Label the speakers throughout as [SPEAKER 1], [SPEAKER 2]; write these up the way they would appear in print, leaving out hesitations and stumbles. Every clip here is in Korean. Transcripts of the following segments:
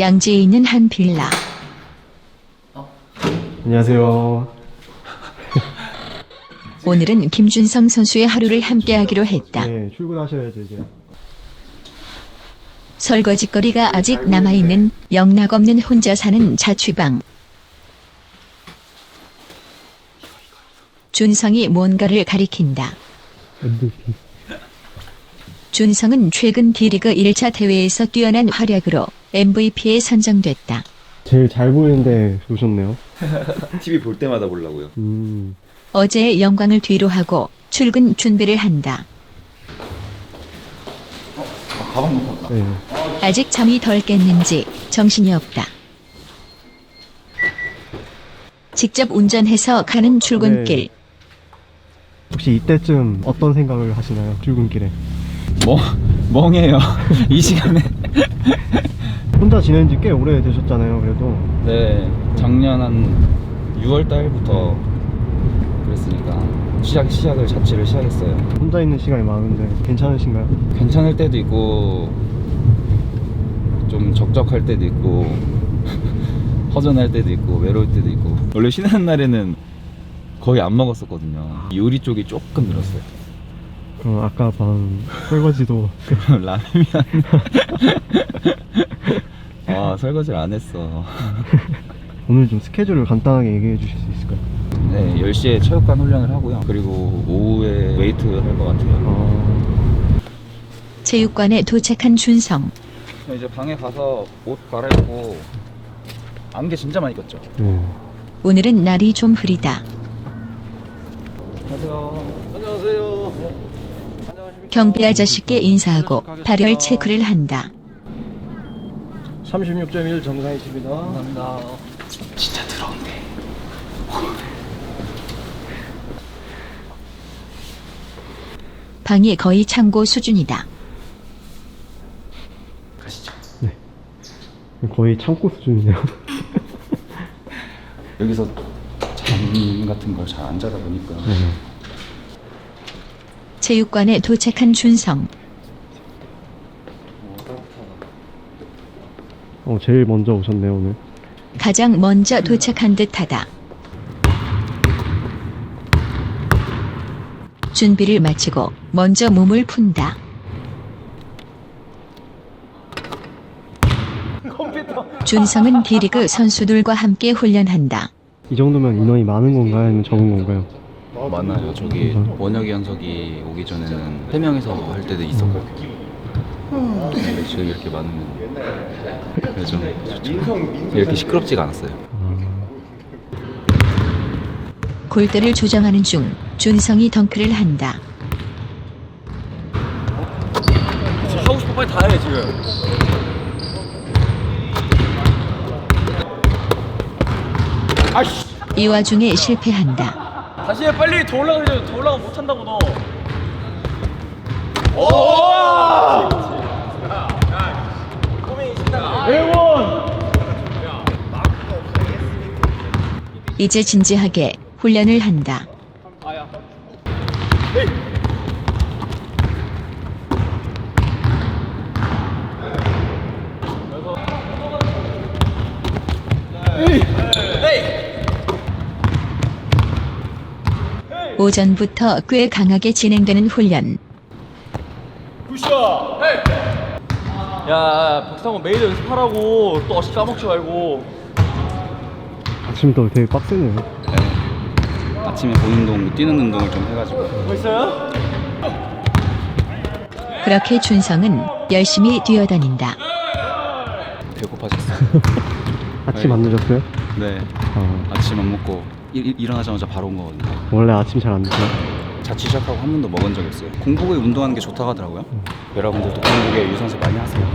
[SPEAKER 1] 양지에 있는 한 빌라.
[SPEAKER 2] 안녕하세요.
[SPEAKER 1] 오늘은 김준성 선수의 하루를 함께하기로 했다.
[SPEAKER 2] 네, 출근하셔야죠 이제.
[SPEAKER 1] 설거지거리가 아직 남아있는 영락없는 혼자 사는 자취방. 준성이 뭔가를 가리킨다.
[SPEAKER 2] MVP.
[SPEAKER 1] 준성은 최근 D리그 1차 대회에서 뛰어난 활약으로 MVP에 선정됐다.
[SPEAKER 2] 제일 잘 보이는데 오셨네요.
[SPEAKER 3] TV 볼 때마다 보려고요.
[SPEAKER 1] 어제의 영광을 뒤로하고 출근 준비를 한다.
[SPEAKER 3] 가방 못 봤다.
[SPEAKER 2] 네.
[SPEAKER 1] 아직 잠이 덜 깼는지 정신이 없다. 직접 운전해서 가는 출근길.
[SPEAKER 2] 네. 혹시 이때쯤 어떤 생각을 하시나요? 출근길에.
[SPEAKER 3] 멍해요. 이 시간에.
[SPEAKER 2] 혼자 지낸 지 꽤 오래 되셨잖아요, 그래도.
[SPEAKER 3] 네, 작년 한 6월 달부터 그랬으니까 시작을 자취를 시작했어요.
[SPEAKER 2] 혼자 있는 시간이 많은데 괜찮으신가요?
[SPEAKER 3] 괜찮을 때도 있고 좀 적적할 때도 있고 허전할 때도 있고 외로울 때도 있고. 원래 쉬는 날에는 거의 안 먹었었거든요. 요리 쪽이 조금 늘었어요.
[SPEAKER 2] 그럼 아까 방 설거지도
[SPEAKER 3] 라면이 아, 설거지를 안 했어.
[SPEAKER 2] 오늘 좀 스케줄을 간단하게 얘기해 주실 수 있을까요?
[SPEAKER 3] 네, 10시에 체육관 훈련을 하고요. 그리고 오후에 웨이트 할 것 같아요.
[SPEAKER 1] 체육관에 도착한 준성.
[SPEAKER 3] 이제 방에 가서 옷 갈아입고 안개 진짜 많이 꼈죠.
[SPEAKER 2] 네.
[SPEAKER 1] 오늘은 날이 좀 흐리다.
[SPEAKER 3] 안녕하세요.
[SPEAKER 1] 경비 아저씨께 인사하고 발열 체크를 한다.
[SPEAKER 2] 36.1 정상이십니다.
[SPEAKER 3] 감사합니다. 진짜 더러운데.
[SPEAKER 1] 방이 거의 창고 수준이다.
[SPEAKER 3] 가시죠.
[SPEAKER 2] 거의 창고 수준이네요.
[SPEAKER 3] 여기서 잠 같은 걸 잘 안 자다 보니까
[SPEAKER 1] 체육관에 도착한 준성.
[SPEAKER 2] 제일 먼저 오셨네요, 오늘.
[SPEAKER 1] 가장 먼저 도착한 듯하다. 준비를 마치고 먼저 몸을 푼다. 준성은 D리그 선수들과 함께 훈련한다.
[SPEAKER 2] 이 정도면 인원이 많은 건가요? 아니면 적은 건가요?
[SPEAKER 3] 많아요. 저기 원혁이 현석이 오기 전에는 3명이서 할 때도 있었고 근데 지금 이렇게 많으면 좀 좋죠. 이렇게 시끄럽지가 않았어요.
[SPEAKER 1] 골대를 조정하는 중 준성이 덩크를 한다.
[SPEAKER 4] 하고 싶어 빨리 다 해 지금. 아이씨.
[SPEAKER 1] 이 와중에 실패한다.
[SPEAKER 4] 다시 해 빨리 더 올라가면 더 올라가 못 한다고 너. 오!
[SPEAKER 1] 이제 진지하게 훈련을 한다. 오전부터 꽤 강하게 진행되는 훈련.
[SPEAKER 4] 굿샷. 야 박상원 매일 연습하라고 또 어시 까먹지 말고.
[SPEAKER 2] 아침부터 되게 빡세네요.
[SPEAKER 3] 아침에 본 운동, 뛰는 운동을 좀 해가지고.
[SPEAKER 4] 뭐 있어요?
[SPEAKER 1] 그렇게 준성은 열심히 뛰어다닌다.
[SPEAKER 3] 배고파졌어요.
[SPEAKER 2] 아침 안 드셨어요?
[SPEAKER 3] 네, 아침 안 먹고 일어나자마자 바로 온 거거든요.
[SPEAKER 2] 원래 아침 잘 안 드세요?
[SPEAKER 3] 자취 시작하고 한 번도 먹은 적이 없어요. 공복에 운동하는 게 좋다고 하더라고요. 여러분들도 공복에 유산소 많이 하세요.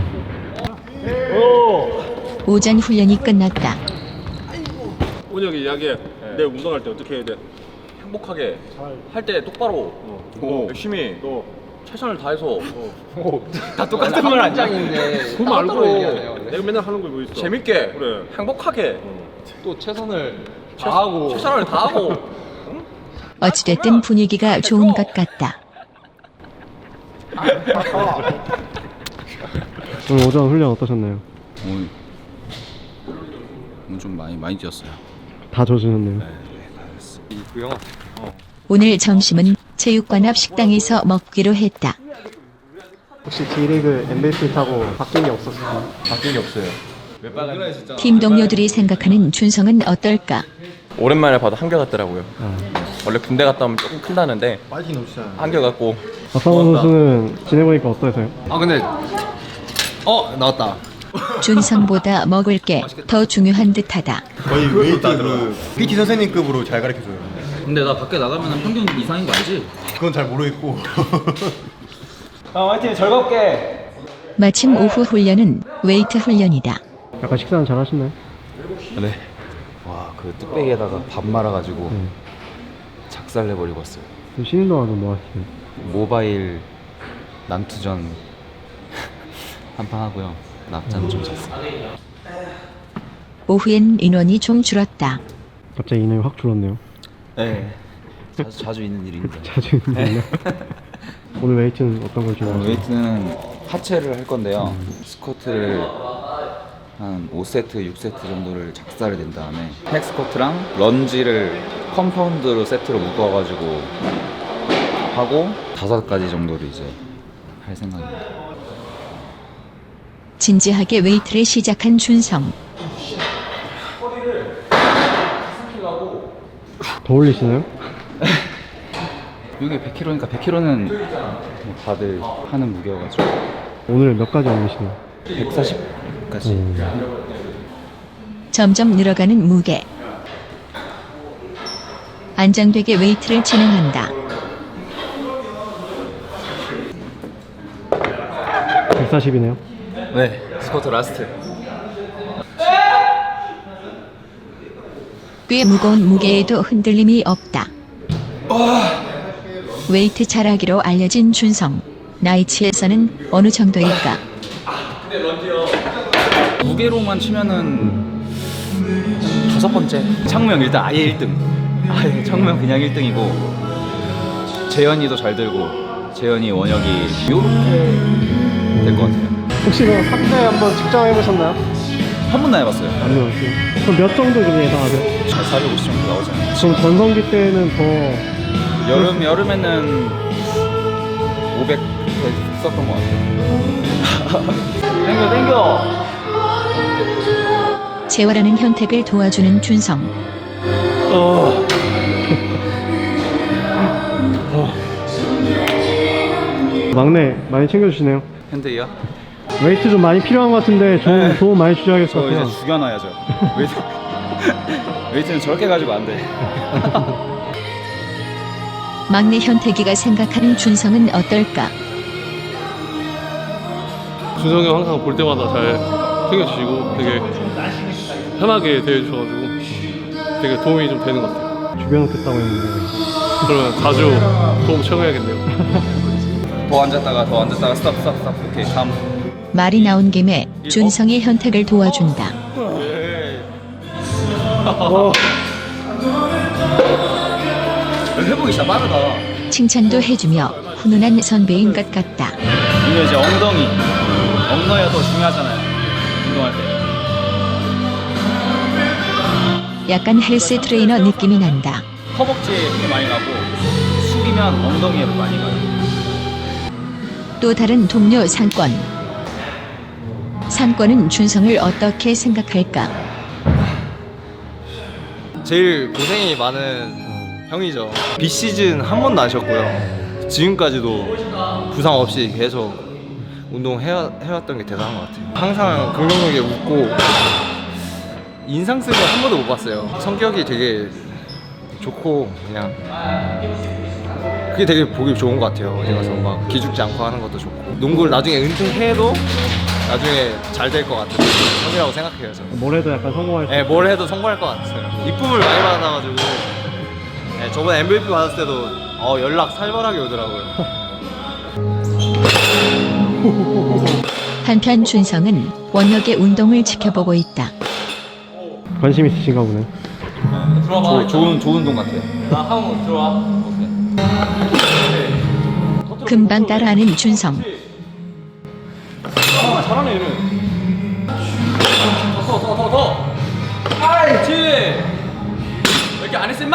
[SPEAKER 1] 오전 훈련이 끝났다.
[SPEAKER 4] 운혁이 이야기해. 내 운동할 때 어떻게 해야 돼? 행복하게 할 때 똑바로 열심히 최선을 다해서 다 똑같은 말 안 짱인데 그거 말고 내가 맨날 하는 거 뭐 있어? 재밌게 그래 행복하게 또 최선을 다하고 최선을 다하고
[SPEAKER 1] 어찌됐든 분위기가 좋은 것 같다.
[SPEAKER 2] 오늘 오전 훈련 어떠셨나요?
[SPEAKER 3] 오늘 좀 많이 뛰었어요.
[SPEAKER 2] 다 져주셨네요.
[SPEAKER 4] 그 영화
[SPEAKER 1] 오늘 점심은 체육관 앞 식당에서 먹기로 했다.
[SPEAKER 2] 혹시 D리그 MVP 타고 바뀐 게 없었어요?
[SPEAKER 4] 바뀐 게 없어요.
[SPEAKER 1] 팀 동료들이 생각하는 준성은 어떨까?
[SPEAKER 4] 오랜만에 봐도 한결같더라고요. 원래 군대 갔다 오면 조금 큰다는데 한결같고.
[SPEAKER 2] 박상원 선수는 지내보니까 어떠세요?
[SPEAKER 5] 아 근데 나왔다.
[SPEAKER 1] 준성보다 먹을 게 더 중요한 듯하다.
[SPEAKER 5] 거의 웨이트 그 PT 선생님급으로 잘 가르쳐줘요.
[SPEAKER 3] 근데 나 밖에 나가면 평균 이상인 거 알지?
[SPEAKER 5] 그건 잘 모르겠고.
[SPEAKER 4] 화이팅 즐겁게.
[SPEAKER 1] 마침 오후 훈련은 웨이트 훈련이다.
[SPEAKER 2] 약간 식사는 잘 하시나요?
[SPEAKER 3] 네. 와, 그 뚝배기에다가 밥 말아가지고 작살 내버리고 왔어요.
[SPEAKER 2] 쉬는 동안은 뭐 하시나요?
[SPEAKER 3] 모바일 난투전 한판 하고요. 낮잠 좀 잤어요.
[SPEAKER 1] 오후엔 인원이 좀 줄었다.
[SPEAKER 2] 갑자기 인원이 확 줄었네요.
[SPEAKER 3] 네. 자주 있는 일입니다.
[SPEAKER 2] 자주 있는데요. 오늘 웨이트는 어떤 걸 좋아하세요?
[SPEAKER 3] 웨이트는 하체를 할 건데요. 스쿼트를 한 5세트, 6세트 정도를 작살을 낸 다음에 팩 스쿼트랑 런지를 컴파운드로 세트로 묶어가지고 하고 5가지 정도를 이제 할 생각입니다.
[SPEAKER 1] 진지하게 웨이트를 시작한 준성.
[SPEAKER 2] 더 올리시나요?
[SPEAKER 3] 이게 100kg니까 100kg는 뭐 다들 하는 무게여가지고
[SPEAKER 2] 오늘 몇 가지 올리시나요?
[SPEAKER 3] 140까지.
[SPEAKER 1] 점점 늘어가는 무게. 안정되게 웨이트를 진행한다.
[SPEAKER 2] 140이네요.
[SPEAKER 3] 네, 스쿼트 라스트.
[SPEAKER 1] 꽤 무거운 무게에도 흔들림이 없다. 웨이트 잘하기로 알려진 준성. 나이치에서는 어느 정도일까?
[SPEAKER 3] 무게로만 치면은 5번째. 창무형 일단 아예 1등. 아예 창무형 그냥 1등이고 재현이도 잘 들고 재현이 원혁이 요렇게 될 것 같아요.
[SPEAKER 2] 혹시 그 3대 한번 측정해보셨나요?
[SPEAKER 3] 한 번도 안 해봤어요.
[SPEAKER 2] 안 해봤어요. 그럼 몇 정도 좀 예상하세요?
[SPEAKER 3] 450 정도 나오잖아요.
[SPEAKER 2] 그럼 전성기 때는 더
[SPEAKER 3] 여름에는 500 썼던 것 같아요. 땡겨.
[SPEAKER 1] 재활하는 현택을 도와주는 준성.
[SPEAKER 2] 막내 많이 챙겨주시네요.
[SPEAKER 3] 핸드이요?
[SPEAKER 2] 웨이트 좀 많이 필요한 것 같은데 도움 많이 주셔야겠을 것
[SPEAKER 3] 저
[SPEAKER 2] 같아요.
[SPEAKER 3] 이제 죽여놔야죠. 웨이트는 저렇게 가지고 안 돼.
[SPEAKER 1] 막내 현택이가 생각하는 준성은 어떨까?
[SPEAKER 6] 준성이 형 항상 볼 때마다 잘 챙겨주시고 되게 편하게 대해주셔가지고 되게 도움이 좀 되는 것 같아요.
[SPEAKER 2] 주변은 그랬다고 했는데
[SPEAKER 6] 그러면 자주 도움 청해야겠네요.
[SPEAKER 3] 더 앉았다가 스탑. 오케이, 3.
[SPEAKER 1] 말이 나온 김에 준성이 현택을 도와준다.
[SPEAKER 3] 회복이 진짜 빠르다.
[SPEAKER 1] 칭찬도 해주며 훈훈한 선배인 것 같다.
[SPEAKER 3] 이거 이제 엉덩이가 더 중요하잖아요. 운동할 때.
[SPEAKER 1] 약간 헬스 트레이너 느낌이 난다.
[SPEAKER 3] 허벅지에 힘이 많이 나고 숙이면 엉덩이에 많이 가요.
[SPEAKER 1] 또 다른 동료 상권. 상권은 준성을 어떻게 생각할까?
[SPEAKER 5] 제일 고생이 많은 형이죠. 비시즌 한 번도 안 쉬었고요. 지금까지도 부상 없이 계속 운동해왔던 게 대단한 것 같아요. 항상 긍정적이게 웃고 인상 쓰는 걸 한 번도 못 봤어요. 성격이 되게 좋고 그냥 그게 되게 보기 좋은 것 같아요. 어디 가서 막 기죽지 않고 하는 것도 좋고 농구를 나중에 은퇴해도 나중에 잘 될 것 같은 형이라고 생각해요. 저는.
[SPEAKER 2] 뭘 해도 약간 성공할 수
[SPEAKER 5] 네, 뭘 해도 성공할 것 같아요. 이쁨을 많이 받아가지고 네, 저번에 MVP 받았을 때도 연락 살벌하게 오더라고요.
[SPEAKER 1] 한편 준성은 원혁의 운동을 지켜보고 있다.
[SPEAKER 2] 관심 있으신가 보네.
[SPEAKER 3] 좋은 운동 같아요.
[SPEAKER 1] 금방 따라하는 준성.
[SPEAKER 4] 잘하네 얘는. 더. 그렇지. 왜 이렇게 안 했어 임마?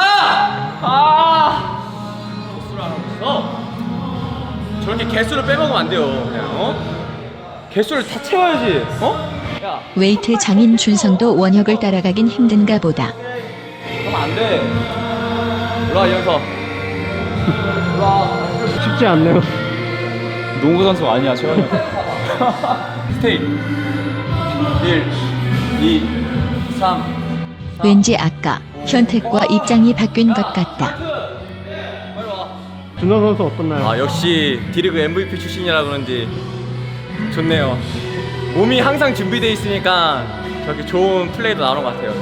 [SPEAKER 4] 개수를 안 하고 있어. 저렇게 개수를 빼먹으면 안 돼요. 그냥 개수를 다 채워야지.
[SPEAKER 1] 웨이트 장인 준성도 원혁을 따라가긴 힘든가 보다.
[SPEAKER 4] 그러면 안 돼. 올라와 이현서.
[SPEAKER 2] 쉽지 않네요.
[SPEAKER 3] 농구 선수 아니야, 최원이.
[SPEAKER 4] 스테이. 1, 2, 3.
[SPEAKER 1] 왠지 아까 현택과 입장이 바뀐 것 같다.
[SPEAKER 2] 준성 선수 어떻나요?
[SPEAKER 4] 역시 D리그 MVP 출신이라 그런지 좋네요. 몸이 항상 준비돼 있으니까 저렇게 좋은 플레이도 나오는 것 같아요.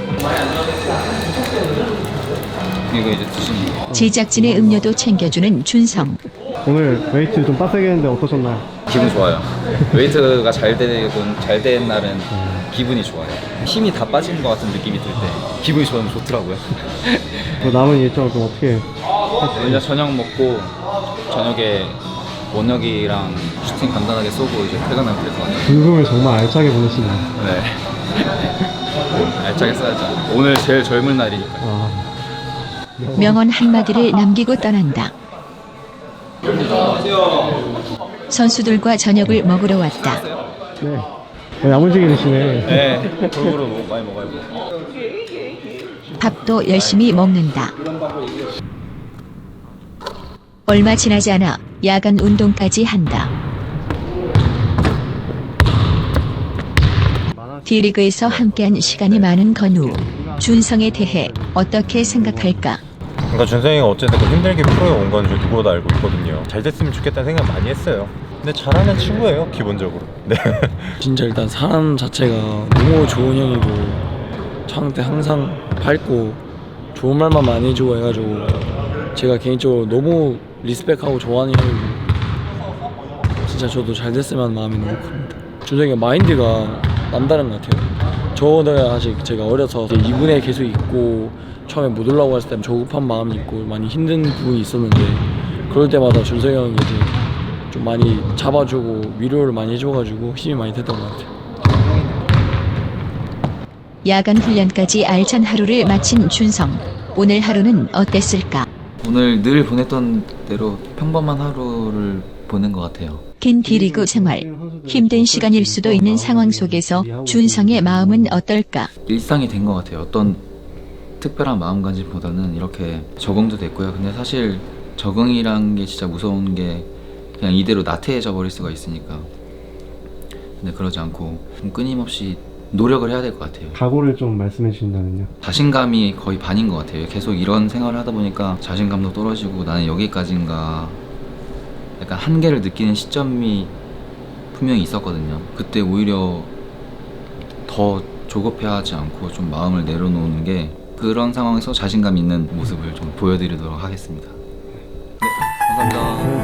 [SPEAKER 3] 이거 이제 드시는 거.
[SPEAKER 1] 제작진의 음료도 챙겨주는 준성.
[SPEAKER 2] 오늘 웨이트 좀 빡세게 했는데 어떠셨나요?
[SPEAKER 3] 기분 좋아요. 웨이트가 잘 된 날은 기분이 좋아요. 힘이 다 빠지는 것 같은 느낌이 들 때 기분이 저는 좋더라고요.
[SPEAKER 2] 그 남은 일정을 좀 어떻게
[SPEAKER 3] 이제 저녁 먹고 저녁에 원혁이랑 슈팅 간단하게 쏘고 이제 퇴근하면 될 것 같아요.
[SPEAKER 2] 불금을 정말 알차게 보내시네요.
[SPEAKER 3] 네. 알차게 써야죠. 오늘 제일 젊은 날이니까.
[SPEAKER 1] 명언 한마디를 남기고 떠난다. 선수들과 저녁을 먹으러 왔다.
[SPEAKER 2] 네. 야무지게 드시네.
[SPEAKER 3] 네. 골고루 많이 먹어요.
[SPEAKER 1] 밥도 열심히 먹는다. 얼마 지나지 않아 야간 운동까지 한다. D리그에서 함께한 시간이 많은 건우. 준성에 대해 어떻게 생각할까?
[SPEAKER 7] 그러니까 준성이가 어쨌든 힘들게 프로에 온 건 누구보다 알고 있거든요. 잘 됐으면 좋겠다는 생각 많이 했어요. 근데 잘하는 친구예요, 기본적으로. 네.
[SPEAKER 8] 진짜 일단 사람 자체가 너무 좋은 형이고 저한테 항상 밝고 좋은 말만 많이 해주고 해가지고 제가 개인적으로 너무 리스펙하고 좋아하는 형이고 진짜 저도 잘 됐으면 마음이 너무 큽니다. 준성이가 마인드가 남다른 것 같아요. 저는 아직 제가 어려서 2군에 계속 있고 처음에 못 올라오고 했을 때 조급한 마음이 있고 많이 힘든 부분이 있었는데 그럴 때마다 준성이 형이 이제 좀 많이 잡아주고 위로를 많이 해줘가지고 힘이 많이 됐던 것 같아요.
[SPEAKER 1] 야간 훈련까지 알찬 하루를 마친 준성. 오늘 하루는 어땠을까?
[SPEAKER 9] 오늘 늘 보냈던 대로 평범한 하루를 보낸 것 같아요.
[SPEAKER 1] 긴 D리그 생활. 힘든 시간일 수도 있는 상황 속에서 준성의 마음은 어떨까?
[SPEAKER 9] 일상이 된 것 같아요. 어떤 특별한 마음가짐보다는 이렇게 적응도 됐고요. 근데 사실 적응이란 게 진짜 무서운 게 그냥 이대로 나태해져 버릴 수가 있으니까. 근데 그러지 않고 좀 끊임없이 노력을 해야 될 것 같아요.
[SPEAKER 2] 각오를 좀 말씀해 주신다면요.
[SPEAKER 9] 자신감이 거의 반인 것 같아요. 계속 이런 생활을 하다 보니까 자신감도 떨어지고 나는 여기까지인가 약간 한계를 느끼는 시점이 분명히 있었거든요. 그때 오히려 더 조급해하지 않고 좀 마음을 내려놓는 게 그런 상황에서 자신감 있는 모습을 좀 보여드리도록 하겠습니다. 네, 감사합니다.